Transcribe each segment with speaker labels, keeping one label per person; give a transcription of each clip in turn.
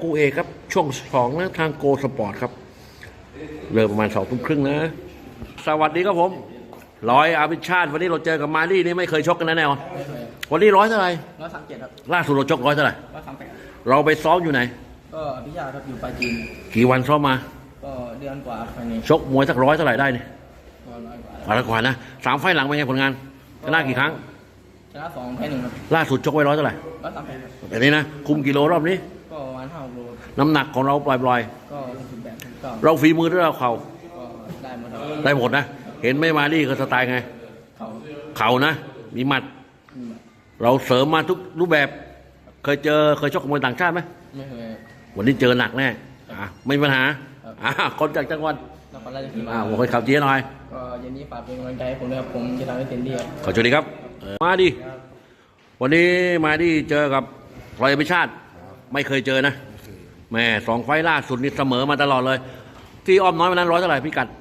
Speaker 1: คู่เอกครับช่วง2นะทางโกสปอร์ตครับเริ่มประมาณ20:30นะสวัสดีครับผมร้อยอาภิชาติวันนี้เราเจอกับมาลี่นี่ไม่เคยชกกันแน่นอนวันนี้ร้อยเท่าไหร่
Speaker 2: 137ครับ
Speaker 1: ล่าสุดเราชกร้อยเท่าไหร่
Speaker 2: 138
Speaker 1: เราไปซ้อมอยู่ไหน
Speaker 2: ก็อภิชาติครับอยู่ปลายจีน
Speaker 1: กี่วันซ้อมมา
Speaker 2: ก็เดือนกว่าภายใน
Speaker 1: ชกมวยสักร้อยเท่าไหร่ได้เนี่ย
Speaker 2: ก็100กว่า
Speaker 1: ร้อยกว่านะ3 ไฟล์หลังเป็นไงผลงานชนะกี่ครั้ง
Speaker 2: ชนะ2แพ้1ครับ
Speaker 1: ล่าสุดชกไว้ร้อยเท่าไหร่
Speaker 2: 138ครับ
Speaker 1: แบบนี้นะคุมกิโลรอบนี้
Speaker 2: ก็ประมาณ5 โล
Speaker 1: น้ำหนักของเราปล่อย
Speaker 2: ก็68ก็
Speaker 1: เราฝีมือด้วยเราเข่า
Speaker 2: ก็ได้หมดครับ
Speaker 1: ได้หมดนะเห็นไม่มาลี่ก็สไตล์ไงเข่านะมีหมัดเราเสริมมาทุกรูปแบบเคยชกกับมวยต่างชาติไหม
Speaker 2: ไม่เคย
Speaker 1: วันนี้เจอหนักแน่ไม่มีปัญหาคนจากจังหวัด
Speaker 2: นครราชสีมา
Speaker 1: ผมเคยข่าวเจี๊ยหน่อย
Speaker 2: ก็เย็นนี้ฝากเป็นกำลังใจให้ผมด้วยครับผมจะทำให้เต็มที่ครับ
Speaker 1: ขอโชคดีครับมาดิวันนี้มาดิเจอกับรอยอภิชาติไม่เคยเจอนะแม่2 ไฟล์ล่าสุดนี่เสมอมาตลอดเลยที่อ้อมน้อยวันนั้นร้อยเท่าไหร่พี่กัด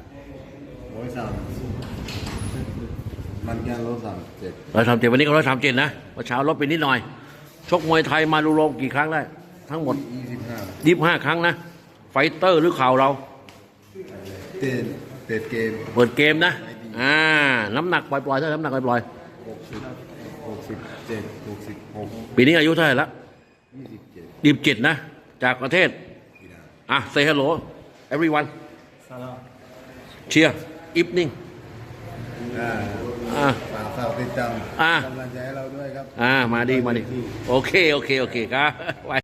Speaker 3: มันแค่137
Speaker 1: วันนี้ก็137นะวันเช้าลดไปนิดหน่อยชกมวยไทยมาดูโรมกี่ครั้งได้ทั้งหมด25 ครั้งนะไฟเตอร์หรือข่าวเรา
Speaker 3: เปิดเกม
Speaker 1: เปิดเกมนะน้ำหนักปล่อยๆเท่าน้ำหนักปล่อย
Speaker 3: 67 66
Speaker 1: ปีนี้อายุเท่าไหร่ละ27นะจากประเทศsay hello everyone cheer evening
Speaker 3: ฝากติดตามกำลังใจให้เราด้วยครับ
Speaker 1: มาดีโอเคครับ